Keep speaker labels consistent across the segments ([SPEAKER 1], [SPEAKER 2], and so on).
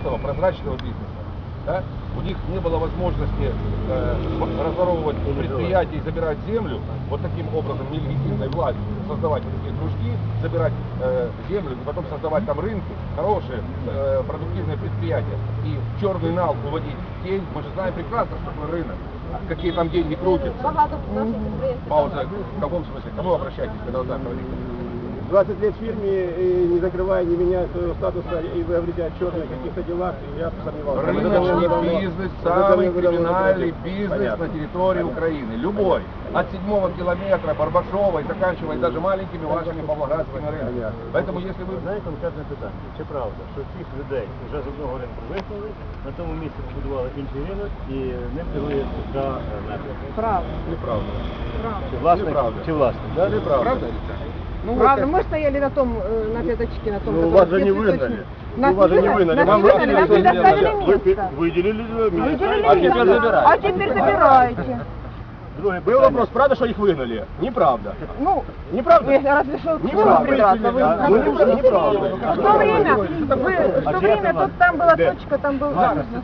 [SPEAKER 1] чистого, прозрачного бизнеса. Да? У них не было возможности разворовывать предприятия и забирать землю вот таким образом нелегитимной властью, создавать вот такие кружки, забирать землю и потом создавать там рынки, хорошие продуктивные предприятия и в черный нал уводить тень. Мы же знаем прекрасно, что такое рынок, какие там деньги крутятся. Пауза. В каком смысле? К кому обращаетесь, когда вы так говорите?
[SPEAKER 2] 20 лет в фирме, и не закрывая, не меняя своего статуса, и вы говорите о черных каких-то делах, я сомневался.
[SPEAKER 1] Рыночный бизнес, самый криминальный бизнес на территории Украины. Любой. От 7-го километра Барбашова и заканчивая даже маленькими вашими павлоградскими рынками. Поэтому если вы...
[SPEAKER 3] Знаєте, конкретне питання. Чи правда, що цих людей вже з одного ринку вихнули, на тому місці побудували інший ринок і ним керує ЦК «Метро»?
[SPEAKER 4] Правда.
[SPEAKER 1] Неправда.
[SPEAKER 3] Чи власник?
[SPEAKER 1] Неправда.
[SPEAKER 3] Чи власник?
[SPEAKER 1] Да, неправда. Правда?
[SPEAKER 4] Ну, правда, мы стояли на том, на пятачке, на том,
[SPEAKER 2] Ну, вас же не выгнали. Вас же не выгнали.
[SPEAKER 4] Нас предоставили место.
[SPEAKER 2] Выделили место.
[SPEAKER 4] А теперь забираете. А теперь забираете.
[SPEAKER 2] Был вопрос, правда, что их выгнали? Неправда.
[SPEAKER 4] Ну,
[SPEAKER 2] Неправда?
[SPEAKER 4] разве что
[SPEAKER 2] Неправда. Неправда.
[SPEAKER 4] В то время тут там была точка, там был...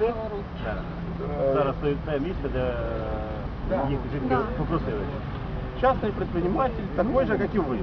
[SPEAKER 3] Зараз стоїть те місце, де їх жінки попросили.
[SPEAKER 2] Частный предприниматель, такой же, как и вы.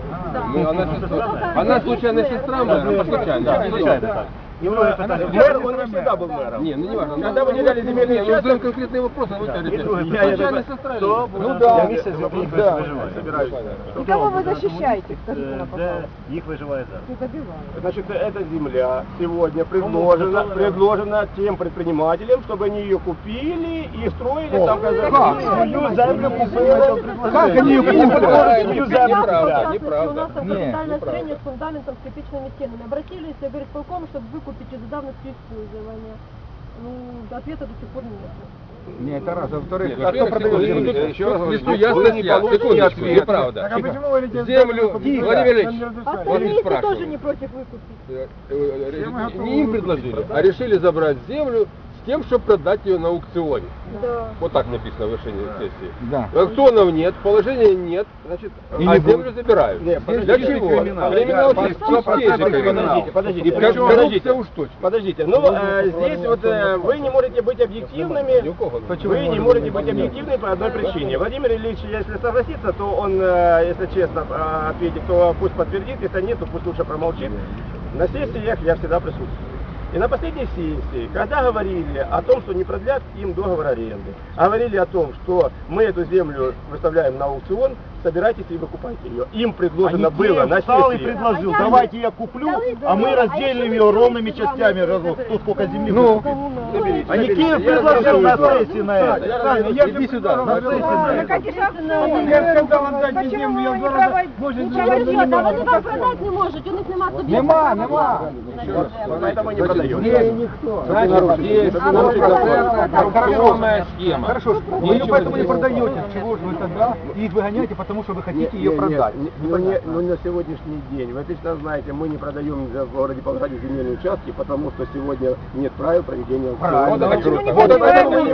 [SPEAKER 1] Она случайно сестра мэра?
[SPEAKER 3] Случайно так. И второе питання.
[SPEAKER 2] Мэр, он не всегда был мэром.
[SPEAKER 1] Не, ну не важно.
[SPEAKER 2] Когда выделяли земельные
[SPEAKER 1] Мы задаем
[SPEAKER 2] участки,
[SPEAKER 1] конкретные вопросы, вы
[SPEAKER 3] І друге
[SPEAKER 1] говорите.
[SPEAKER 3] питання.
[SPEAKER 1] Случайно сестра?
[SPEAKER 3] Хто
[SPEAKER 2] Ну да.
[SPEAKER 3] місце, з яких їх
[SPEAKER 2] Да.
[SPEAKER 3] виживає?
[SPEAKER 4] И кого вы защищаете, скажите нам,
[SPEAKER 3] Де
[SPEAKER 4] пожалуйста?
[SPEAKER 3] їх виживає зараз?
[SPEAKER 4] Не добивают.
[SPEAKER 2] значит, эта земля сегодня предложена тем предпринимателям, чтобы они ее купили и строили там свою землю купили. Как они ее купили? Свою землю
[SPEAKER 1] Неправда,
[SPEAKER 2] купили.
[SPEAKER 1] неправда.
[SPEAKER 5] У нас там капитальное строение с фундаментом, с кирпичными стенами. Обратились в горисполком, чтобы выкупить из-за давности использования. Ну, ответа до сих пор нет.
[SPEAKER 1] Нет, это раз. А во-вторых,
[SPEAKER 2] А кто продает землю?
[SPEAKER 1] Еще раз говорю, секундочку, неправда.
[SPEAKER 2] Так а почему вы летите?
[SPEAKER 1] Землю, Владимир Ильич,
[SPEAKER 5] Остальные
[SPEAKER 1] спрашиваю.
[SPEAKER 5] тоже не против выкупить.
[SPEAKER 1] Не им предложили, а решили забрать землю с тем, чтобы продать ее на аукционе.
[SPEAKER 5] Да.
[SPEAKER 1] Вот так написано в решении сессии.
[SPEAKER 6] Да.
[SPEAKER 1] Аукционов нет, положения нет, значит, а землю забирают.
[SPEAKER 2] Нет,
[SPEAKER 1] Для чего? Криминал чистейший.
[SPEAKER 2] Подождите,
[SPEAKER 1] И коррупция уж точно.
[SPEAKER 2] Подождите, ну здесь вот вы не можете быть объективными. Вы не можете быть объективными по одной причине. Владимир Ильич, если согласится, то он, если честно ответит, то пусть подтвердит, если нет, то пусть лучше промолчит. На сессиях я всегда присутствую. И на последней сессии, когда говорили о том, что не продлят им договор аренды, говорили о том, что мы эту землю выставляем на аукцион, собирайтесь и выкупайте ее. Им предложено было на
[SPEAKER 3] встал и
[SPEAKER 2] сессии.
[SPEAKER 3] предложил, давайте я куплю, а мы разделим ее ровными частями, кто сколько земли выкупит. А Никиев предложил на сессии на это.
[SPEAKER 1] Иди сюда.
[SPEAKER 4] Ну, почему вы не проводите?
[SPEAKER 5] Ничего, да вы вам продать не можете, у них нема субъекта.
[SPEAKER 4] Нема.
[SPEAKER 2] Поэтому не продаем.
[SPEAKER 1] Значит, есть коррупционная схема.
[SPEAKER 6] Хорошо, вы ее поэтому не продаете. Чего же вы тогда их выгоняете, потому что вы хотите ее продать?
[SPEAKER 2] Ну на сегодняшний день, вы отлично знаете, мы не продаем в городе Павлограде земельные участки, потому что сегодня нет правил проведения аукциона.
[SPEAKER 1] Вот это мы не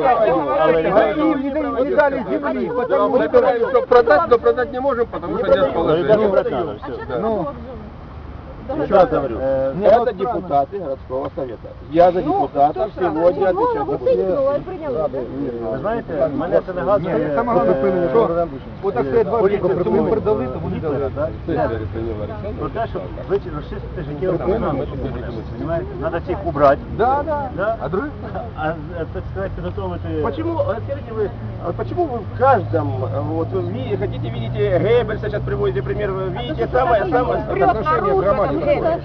[SPEAKER 6] Вы не дали земли, потому что...
[SPEAKER 1] Собираем, чтобы продать, но продать не можем, потому что нет положения.
[SPEAKER 6] Ну,
[SPEAKER 2] Еще раз говорю, это депутаты городского совета. Я за депутатов сегодня отвечаю.
[SPEAKER 3] Ви знаєте, мене це нагадує...
[SPEAKER 6] саме головне, що отак стоять два віку, то ми продали, то вони дали.
[SPEAKER 3] Про те, щоб розчистити життєву програму. Треба цих убрати.
[SPEAKER 6] Да. А другие?
[SPEAKER 3] Так сказати, підготовити...
[SPEAKER 2] Почему, скажите вы, почему вы в каждом, вот вы хотите, видите, Геббельса сейчас приводите пример, вы видите самое отношение к громаде?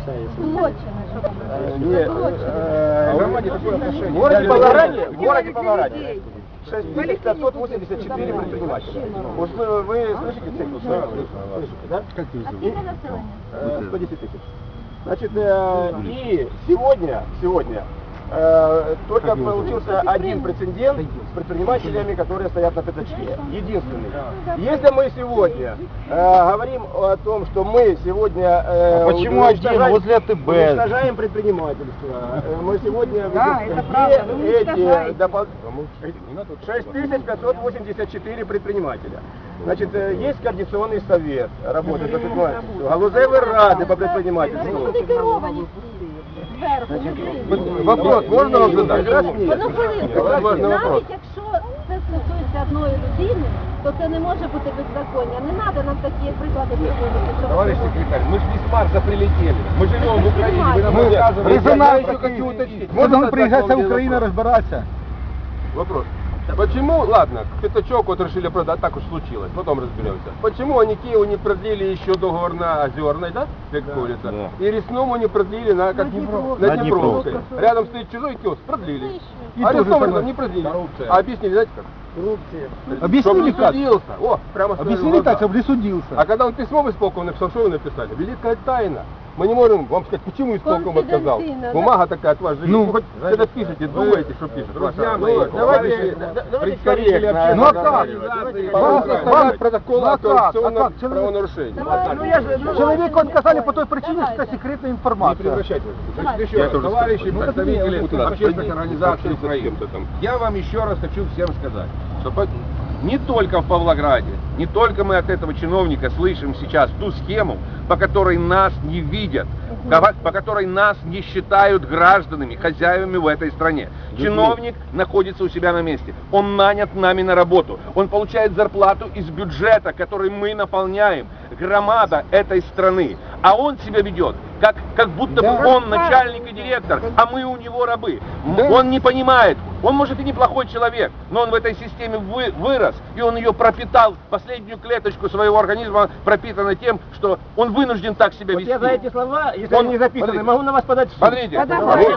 [SPEAKER 2] Нет, громаде такое отношение. В городе Павлограде 6584 предпринимателя. Вот вы слышите цифру? Слышите, да?
[SPEAKER 6] Как ты
[SPEAKER 2] И 110 тысяч. Значит, и сегодня только получился один прецедент с предпринимателями, которые стоят на пятачке. Единственный. Если мы сегодня говорим о том, что мы сегодня
[SPEAKER 3] почему один возле АТБ?
[SPEAKER 2] уничтожаем предпринимательство, мы сегодня эти 6584 предпринимателя. Значит, есть координационный совет, работает по предпринимательству, галузевые рады по предпринимательству.
[SPEAKER 5] Вони керовані.
[SPEAKER 6] Вопрос
[SPEAKER 1] вопрос, можно вам задать?
[SPEAKER 5] Одну хвилинку.
[SPEAKER 1] Це важний вопрос.
[SPEAKER 5] Навіть якщо це стосується одної людини, то це не може бути беззаконня. Не треба нам такі приклади приводити. щоб-
[SPEAKER 1] Товарищ секретарь, мы же не с Марса прилетели. Мы живем в Украине, вы нам
[SPEAKER 6] Мы
[SPEAKER 1] рассказываете.
[SPEAKER 6] резонанс
[SPEAKER 1] Я еще хочу уточнить.
[SPEAKER 6] Вот
[SPEAKER 1] Можно
[SPEAKER 6] он
[SPEAKER 1] задать
[SPEAKER 6] приезжать
[SPEAKER 1] вам
[SPEAKER 6] в
[SPEAKER 1] один
[SPEAKER 6] Украину
[SPEAKER 1] вопрос?
[SPEAKER 6] разбираться.
[SPEAKER 1] Вопрос. Почему, ладно, пятачок вот решили продать, так уж случилось, потом разберемся. Почему они Киеву не продлили еще договор на Озерной, да, как говорится, и Ресному не продлили на, как, на Днепровской. Рядом стоит чужой киоск, продлили.
[SPEAKER 6] И
[SPEAKER 1] А
[SPEAKER 6] тоже
[SPEAKER 1] Ресному
[SPEAKER 6] самое.
[SPEAKER 1] не продлили.
[SPEAKER 6] Коррупция.
[SPEAKER 1] А объяснили, знаете как?
[SPEAKER 6] Объяснили
[SPEAKER 1] Чтоб не
[SPEAKER 6] как?
[SPEAKER 1] судился. О, прямо сказали в
[SPEAKER 6] Объяснили
[SPEAKER 1] глаза.
[SPEAKER 6] так, чтобы не судился.
[SPEAKER 1] А когда он письмо в исполком написал, что вы написали? Великая тайна. Мы не можем вам сказать, почему исполком отказал.
[SPEAKER 5] Конфиденциально, да?
[SPEAKER 1] Бумага такая от вас же.
[SPEAKER 6] Ну,
[SPEAKER 1] Ну, хоть когда пишете, думаете, что пишете.
[SPEAKER 2] Друзья
[SPEAKER 1] Ваша-
[SPEAKER 2] мои,
[SPEAKER 1] ну,
[SPEAKER 2] давайте
[SPEAKER 1] предкорректно.
[SPEAKER 6] Ну а как?
[SPEAKER 1] Вам составлять протокол
[SPEAKER 6] Ну а
[SPEAKER 1] о
[SPEAKER 6] как? А
[SPEAKER 1] коррупционном
[SPEAKER 6] как?
[SPEAKER 1] правонарушении.
[SPEAKER 5] Давай.
[SPEAKER 2] Ну я же, ну,
[SPEAKER 6] Человеку отказали по той причине, что
[SPEAKER 5] Давайте.
[SPEAKER 6] это секретная
[SPEAKER 1] Не
[SPEAKER 6] информация.
[SPEAKER 1] превращайте.
[SPEAKER 5] Давай.
[SPEAKER 1] Еще раз, товарищи
[SPEAKER 6] Ну,
[SPEAKER 1] представители
[SPEAKER 6] вот туда.
[SPEAKER 1] общественных организаций Украины. Я вам еще раз хочу всем сказать, что не только в Павлограде, не только мы от этого чиновника слышим сейчас ту схему, по которой нас не видят, по которой нас не считают гражданами, хозяевами в этой стране. Чиновник находится у себя на месте, он нанят нами на работу, он получает зарплату из бюджета, который мы наполняем, громада этой страны, а он себя ведет, как будто бы он начальник и директор, а мы у него рабы. Он не понимает, он может и неплохой человек, но он в этой системе вырос, и он ее пропитал, последнюю клеточку своего организма пропитана тем, что он вынужден так себя
[SPEAKER 2] вот
[SPEAKER 1] вести.
[SPEAKER 2] я за эти слова, если
[SPEAKER 1] Он-
[SPEAKER 2] они не записаны,
[SPEAKER 1] смотрите.
[SPEAKER 2] могу на вас подать в суд.
[SPEAKER 1] Смотрите,
[SPEAKER 4] Подавай.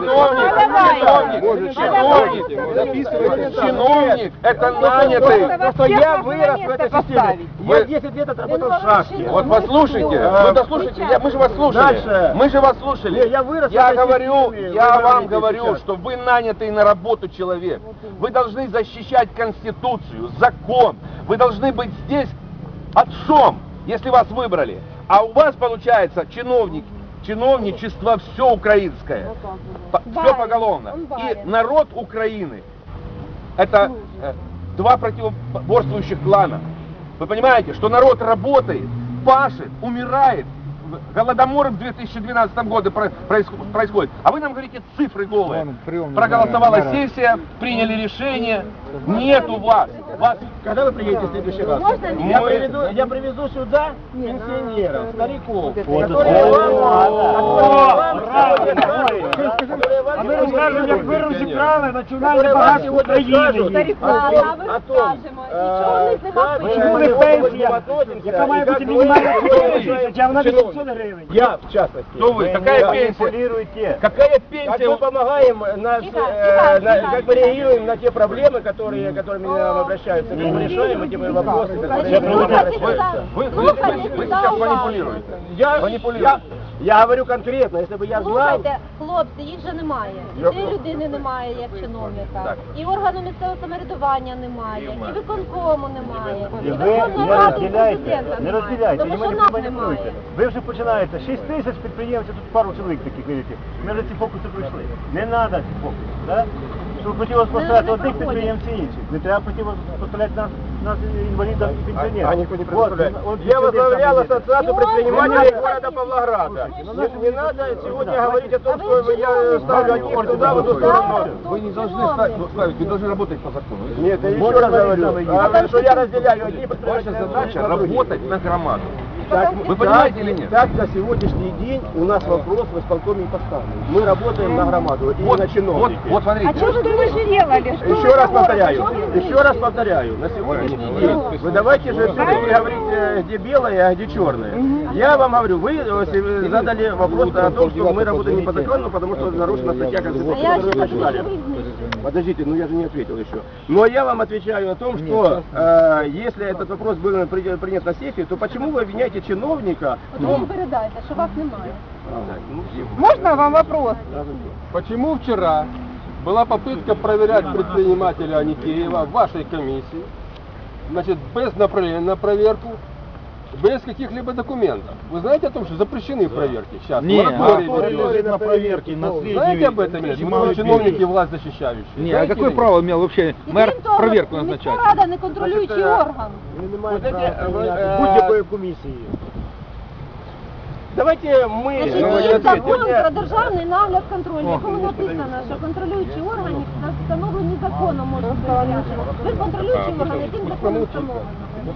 [SPEAKER 1] чиновник, это нанятый.
[SPEAKER 2] Просто я вырос в этой системе. Я 10 лет отработал в шахте.
[SPEAKER 1] Вот послушайте, вы дослушайте, мы же вас слушали.
[SPEAKER 2] Дальше.
[SPEAKER 1] Мы же вас слушали.
[SPEAKER 2] Не, я вырос в
[SPEAKER 1] Я
[SPEAKER 2] этой
[SPEAKER 1] говорю,
[SPEAKER 2] системе,
[SPEAKER 1] я
[SPEAKER 2] вы
[SPEAKER 1] вам
[SPEAKER 2] говорите
[SPEAKER 1] говорю,
[SPEAKER 2] сейчас.
[SPEAKER 1] что вы нанятый на работу человек. Вы должны защищать Конституцию, закон. Вы должны быть здесь отцом, если вас выбрали. А у вас получается чиновничество все украинское. Все поголовно.
[SPEAKER 5] он
[SPEAKER 1] И
[SPEAKER 5] барин.
[SPEAKER 1] народ Украины это два противоборствующих клана. Вы понимаете, что народ работает, пашет, умирает. Голодомор в 2012 году происходит. А вы нам говорите цифры голые. Проголосовала сессия, приняли решение. Нету вас.
[SPEAKER 2] Когда вы приедете в следующий раз?
[SPEAKER 5] Можно
[SPEAKER 2] Я привезу сюда пенсионеров, стариков,
[SPEAKER 3] А ми розкажемо, як вируші крали національне
[SPEAKER 2] которые вам
[SPEAKER 3] багатство
[SPEAKER 2] сегодня
[SPEAKER 3] України.
[SPEAKER 2] скажут
[SPEAKER 5] А ви скажемо, нічого в них нема
[SPEAKER 2] как
[SPEAKER 3] Чому
[SPEAKER 2] мы
[SPEAKER 3] не
[SPEAKER 2] к этому
[SPEAKER 3] пенсія,
[SPEAKER 2] относимся,
[SPEAKER 3] яка має
[SPEAKER 2] и как
[SPEAKER 3] бути
[SPEAKER 2] мы
[SPEAKER 3] мінімальна
[SPEAKER 2] относимся
[SPEAKER 3] тисяча, а вона
[SPEAKER 2] к чиновникам.
[SPEAKER 3] 800 гривень.
[SPEAKER 2] Я, в частности.
[SPEAKER 1] Кто вы? Какая пенсия?
[SPEAKER 3] Манипулируйте.
[SPEAKER 1] Какая
[SPEAKER 2] Как
[SPEAKER 1] пенсия?
[SPEAKER 2] мы помогаем, как мы реагируем на те проблемы, которыми нам обращаются, как мы решаем эти вопросы, которые
[SPEAKER 1] Вы сейчас манипулируете.
[SPEAKER 2] Я говорю конкретно, если бы я знал,
[SPEAKER 5] Слухайте, хлопці, їх же немає. І цієї людини немає, як чиновника.
[SPEAKER 1] Так.
[SPEAKER 5] І органу місцевого самоврядування немає, і виконкому немає. І
[SPEAKER 3] Ви
[SPEAKER 5] Верховної
[SPEAKER 3] не
[SPEAKER 5] Ради
[SPEAKER 3] розділяйте,
[SPEAKER 5] президента
[SPEAKER 3] не
[SPEAKER 5] немає.
[SPEAKER 3] розділяйте,
[SPEAKER 5] Тому
[SPEAKER 3] і
[SPEAKER 5] що
[SPEAKER 3] мене
[SPEAKER 5] нас
[SPEAKER 3] маніпулюйте.
[SPEAKER 5] немає.
[SPEAKER 3] Ви вже починаєте, 6 тисяч підприємців, тут пару чоловік таких, видите. Ми вже ці фокуси пройшли. Не треба ці фокуси, так? Щоб противопоставляти
[SPEAKER 5] Не
[SPEAKER 3] одних
[SPEAKER 5] проходять.
[SPEAKER 3] підприємців інших. Не треба противопоставляти нас інвалідам і пенсіонерам.
[SPEAKER 2] а никто не представляет.
[SPEAKER 3] Вот
[SPEAKER 2] Я возглавлял
[SPEAKER 3] пенсионер там
[SPEAKER 2] ассоциацию
[SPEAKER 5] И он
[SPEAKER 2] предпринимателей
[SPEAKER 5] говорит,
[SPEAKER 2] города Павлограда. Не надо сегодня говорить о том,
[SPEAKER 5] А вы
[SPEAKER 2] что я
[SPEAKER 5] чиновник.
[SPEAKER 2] ставлю одних туда, в эту сторону.
[SPEAKER 1] Вы не должны ставить, вы должны работать по закону.
[SPEAKER 2] Нет, я еще раз говорю, что я разделяю одни
[SPEAKER 1] Ваша
[SPEAKER 2] предприниматели,
[SPEAKER 1] задача
[SPEAKER 2] а другие.
[SPEAKER 1] работать на громаду.
[SPEAKER 2] Так,
[SPEAKER 1] Вы понимаете или нет?
[SPEAKER 2] Так на сегодняшний день у нас вопрос в исполкоме не поставлен. Мы работаем на громаду и на чиновники.
[SPEAKER 1] Вот смотрите.
[SPEAKER 4] А что вы думаете делали? Что
[SPEAKER 2] Еще
[SPEAKER 4] вы
[SPEAKER 2] раз
[SPEAKER 4] такое?
[SPEAKER 2] повторяю,
[SPEAKER 4] Что вы
[SPEAKER 2] еще раз повторяю, на сегодняшний день вы давайте же все-таки говорить, где белое, а где черное. Я вам говорю, вы задали вопрос о том, что мы работаем не по закону, потому что нарушена статья
[SPEAKER 5] А
[SPEAKER 2] Конституции,
[SPEAKER 5] я
[SPEAKER 2] которую вы
[SPEAKER 5] считаю,
[SPEAKER 2] прочитали.
[SPEAKER 5] що ви знищили.
[SPEAKER 2] Подождите, ну я же не ответил еще. Но я вам отвечаю о том, что если этот вопрос был принят на сессии, то почему вы обвиняете чиновника в
[SPEAKER 5] От ви їм
[SPEAKER 2] том,
[SPEAKER 5] передайте, що вас немає.
[SPEAKER 4] Можно вам вопрос?
[SPEAKER 7] Почему вчера была попытка проверять предпринимателя Аникеева в вашей комиссии, значит, без направления на проверку, без каких-либо документов? Вы знаете о том, что запрещены проверки сейчас? Мораторий
[SPEAKER 3] лежит на проверке, на среднюю.
[SPEAKER 7] Знаете об этом? Нет? Вы чиновники, власть защищающие.
[SPEAKER 6] Не, а
[SPEAKER 7] Знаете
[SPEAKER 6] какое
[SPEAKER 7] или
[SPEAKER 6] право имел вообще
[SPEAKER 5] І
[SPEAKER 6] мэр
[SPEAKER 5] крім того,
[SPEAKER 6] проверку
[SPEAKER 5] міська
[SPEAKER 6] назначать?
[SPEAKER 5] рада не контролюючий орган.
[SPEAKER 2] будь-якої комісії. Давайте мы...
[SPEAKER 5] Значить,
[SPEAKER 7] Ну,
[SPEAKER 5] є
[SPEAKER 7] я
[SPEAKER 5] закон
[SPEAKER 7] відповідь.
[SPEAKER 5] про державний нагляд контроль, в якому написано, що контролюючі органи встановлені законом можуть перевіряти. Ви контролюючий орган, яким законом встановлено?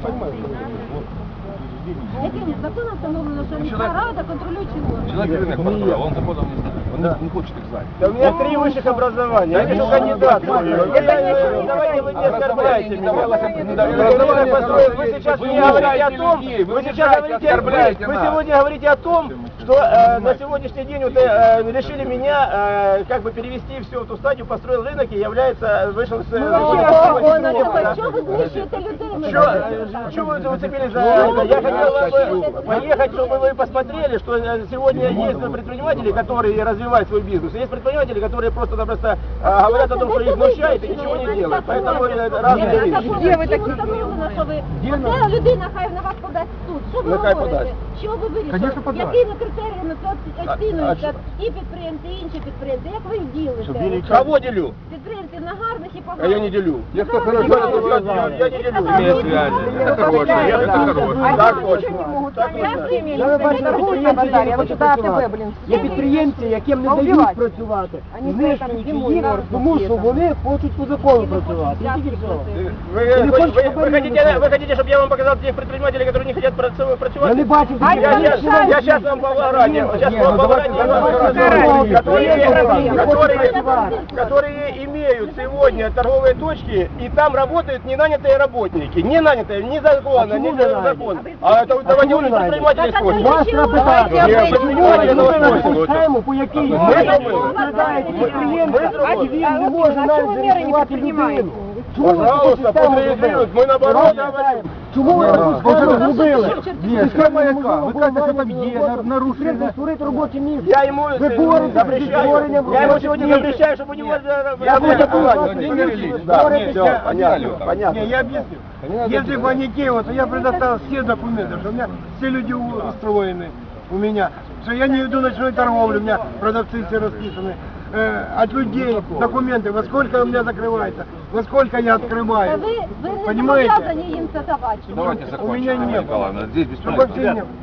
[SPEAKER 5] Яким законом встановлено, що міська рада контролюючий орган?
[SPEAKER 1] Человек рынок построил, он законом не знает, он не хочет их знать.
[SPEAKER 2] Да у меня 3 высших образования, я вижу кандидат. Давайте вы не оскорбляйте меня. Вы сейчас мне говорите о том, вы сейчас говорите, вы сегодня говорите о том, что на сегодняшний день вот, решили меня как бы перевести все в ту стадию, построил рынок и является вышел с...
[SPEAKER 5] Що ви знищуєте людей?
[SPEAKER 2] Что вы зацепились за это? Я хотел бы поехать, чтобы вы посмотрели, что сегодня есть предприниматели, которые развивают свой бизнес, и есть предприниматели, которые просто-напросто говорят о том, что их смущает и ничего не делают. Поэтому разные вещи.
[SPEAKER 5] Де ви такі? Встановлено, що ви... Оце людина хай на вас подасть в суд. Що ви
[SPEAKER 2] Нехай
[SPEAKER 5] говорите?
[SPEAKER 2] подасть.
[SPEAKER 5] Що ви вирішили?
[SPEAKER 6] Конечно, подасть.
[SPEAKER 5] Якими критеріями це оцінюється і підприємці, і інші підприємці? Як ви їх ділите?
[SPEAKER 2] Кого делю?
[SPEAKER 5] Підприємці на гарних і
[SPEAKER 2] А
[SPEAKER 5] поганих?
[SPEAKER 2] я не делю.
[SPEAKER 7] Те, кто хорошо
[SPEAKER 2] Я не делю.
[SPEAKER 1] Имеет связи, это хорошее, это хорошее.
[SPEAKER 2] Так точно. Так
[SPEAKER 8] Є підприємці, яким не дають працювати, знищуючи їх, тому що вони хочуть по закону працювати. І тільки все.
[SPEAKER 2] Вы хотите, чтобы я вам показал тех предпринимателей, которые не хотят працювать?
[SPEAKER 8] Я не бачив
[SPEAKER 2] Я сейчас вам по Варане, которые имеют сегодня торговые точки, и там работают ненанятые работники. Не нанятые, ни законно, ни закон. А это давайте у них предприниматели спросим.
[SPEAKER 8] Вас треба питати,
[SPEAKER 2] Ні,
[SPEAKER 8] чому ви
[SPEAKER 2] ми
[SPEAKER 8] зробили схему, по якій розглядаєте підприємця, і він не може навіть зареєструвати людину? Чому ви таку
[SPEAKER 2] Пожалуйста,
[SPEAKER 8] систему
[SPEAKER 2] подреагируют.
[SPEAKER 8] зробили?
[SPEAKER 2] Мы наоборот говорим.
[SPEAKER 8] Чому ви таку схему зробили?
[SPEAKER 6] Ні, схема яка? Ви кажете, що там є нарушення.
[SPEAKER 8] Створити робоче місце.
[SPEAKER 2] Я ему
[SPEAKER 8] Ви боретеся зі
[SPEAKER 2] запрещаю.
[SPEAKER 8] створенням
[SPEAKER 2] Я ему
[SPEAKER 8] робочих
[SPEAKER 2] сегодня
[SPEAKER 8] місць.
[SPEAKER 2] запрещаю, чтобы у него...
[SPEAKER 8] Я хочу
[SPEAKER 2] Все, понятно.
[SPEAKER 9] Не, я объясню. Если бы они Киева, то я предоставил все документы, что у меня все люди устроены у меня, что я не веду ночной торговлю, у меня продавцы все расписаны. От людей документы, во сколько у меня закрывается, во сколько я открываю.
[SPEAKER 5] Ви не
[SPEAKER 9] Понимаете?
[SPEAKER 5] зобов'язані їм це давати.
[SPEAKER 1] Давайте
[SPEAKER 9] У
[SPEAKER 1] закончим,
[SPEAKER 9] меня
[SPEAKER 1] Мария
[SPEAKER 9] нет.
[SPEAKER 1] Николаевна, здесь
[SPEAKER 9] Чтобы
[SPEAKER 1] бесполезно.
[SPEAKER 9] все не-